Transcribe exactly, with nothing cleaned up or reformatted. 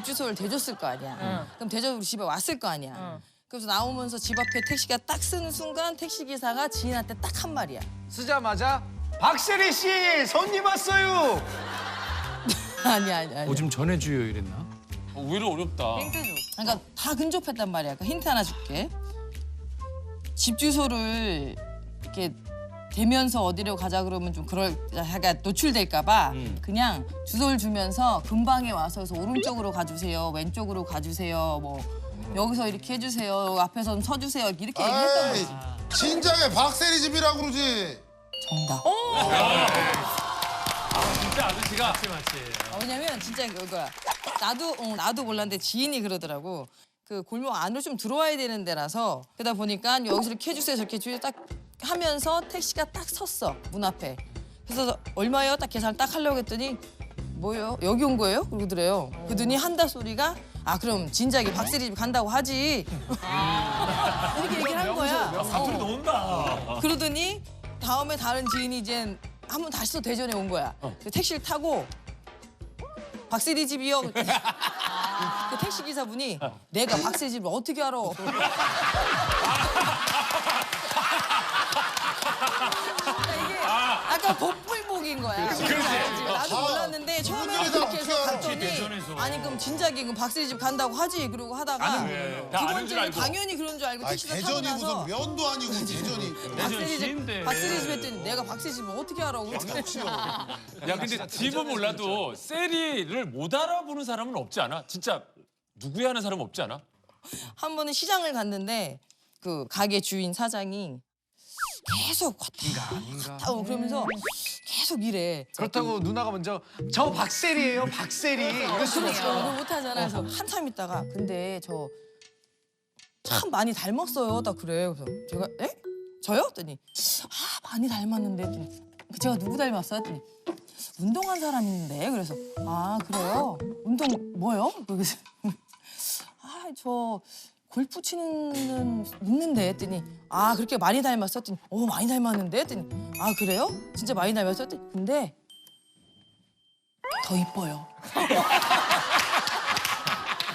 주소를 대줬을 거 아니야. 그럼 대접 우리 집에 왔을 거 아니야. 그래서 나오면서 집 앞에 택시가 딱 쓰는 순간 택시 기사가 지인한테 딱 한 말이야. 쓰자마자 박세리 씨 손님 왔어요. 아니야 아니야. 아니야. 뭐 좀 전해줘요 이랬나? 어, 오히려 어렵다. 힌트 줘. 그러니까 다 근접했단 말이야. 그러니까 힌트 하나 줄게. 집 주소를 이렇게 대면서 어디로 가자 그러면 좀 그럴 하가 노출될까 봐 음. 그냥 주소를 주면서 근방에 와서 그래서 오른쪽으로 가주세요. 왼쪽으로 가주세요. 뭐 여기서 이렇게 해주세요. 앞에서 좀 서주세요. 이렇게 얘기했던 아이, 거지. 진작에 박세리 집이라고 그러지. 정답. 진짜 아저씨가 아, 왜냐면 진짜 그거야. 나도 어, 나도 몰랐는데 지인이 그러더라고. 그 골목 안으로 좀 들어와야 되는 데라서 그러다 보니까 여기서 이렇게 해주세요 저렇게 해주세요 딱 하면서 택시가 딱 섰어 문 앞에. 그래서 얼마예요? 딱 계산을 딱 하려고 했더니 뭐예요? 여기 온 거예요? 그러더래요. 그러더니 한다 소리가 아 그럼 진작에 박세리 집 간다고 하지. 이렇게 얘기를 한 거야. 사투리 넣는다. 그러더니 다음에 다른 지인이 이제 한 번 다시 또 대전에 온 거야. 그 택시를 타고 박세리 집이요. 그랬더니 그 택시 기사분이 내가 박세리 집을 어떻게 알아? 이게 약간 복불복인 거야. 나도 몰랐는데 처음에는 일이다, 그렇게 해서 어떻게 갔더니 아니 그럼 진작에 그럼 박세리 집 간다고 하지 그러고 하다가 두 다 아는 줄 번째는 알고. 당연히 그런 줄 알고 아, 택시를 타고 대전이 나서 무슨 면도 아니고 대전이. 박세리 시인데. 집 박세리 집 했더니 내가 박세리 집을 어떻게 알아? 그랬더니 야 근데 집은 몰라도 세리를 못 알아보는 사람은 없지 않아? 진짜 누구야 하는 사람 없지 않아? 한 번은 시장을 갔는데 그 가게 주인 사장이 계속 왔다 갔다 어, 그러면서 계속 이래. 그렇다고 누나가 먼저 저 박세리예요 박세리 이럴 수는 그렇죠. 없어. 그걸 못하잖아. 그래서 한참 있다가 근데 저 참 많이 닮았어요. 딱 그래. 그래서 제가 에? 저요? 했더니 아 많이 닮았는데 했더니 제가 누구 닮았어요? 했더니 운동한 사람 있는데 그래서 아 그래요? 운동 뭐요? 그래서 아 저 골프 치는 있는데 했더니 아 그렇게 많이 닮았어? 했더니 어 많이 닮았는데 했더니 아 그래요? 진짜 많이 닮았어? 했더니 근데 더 이뻐요.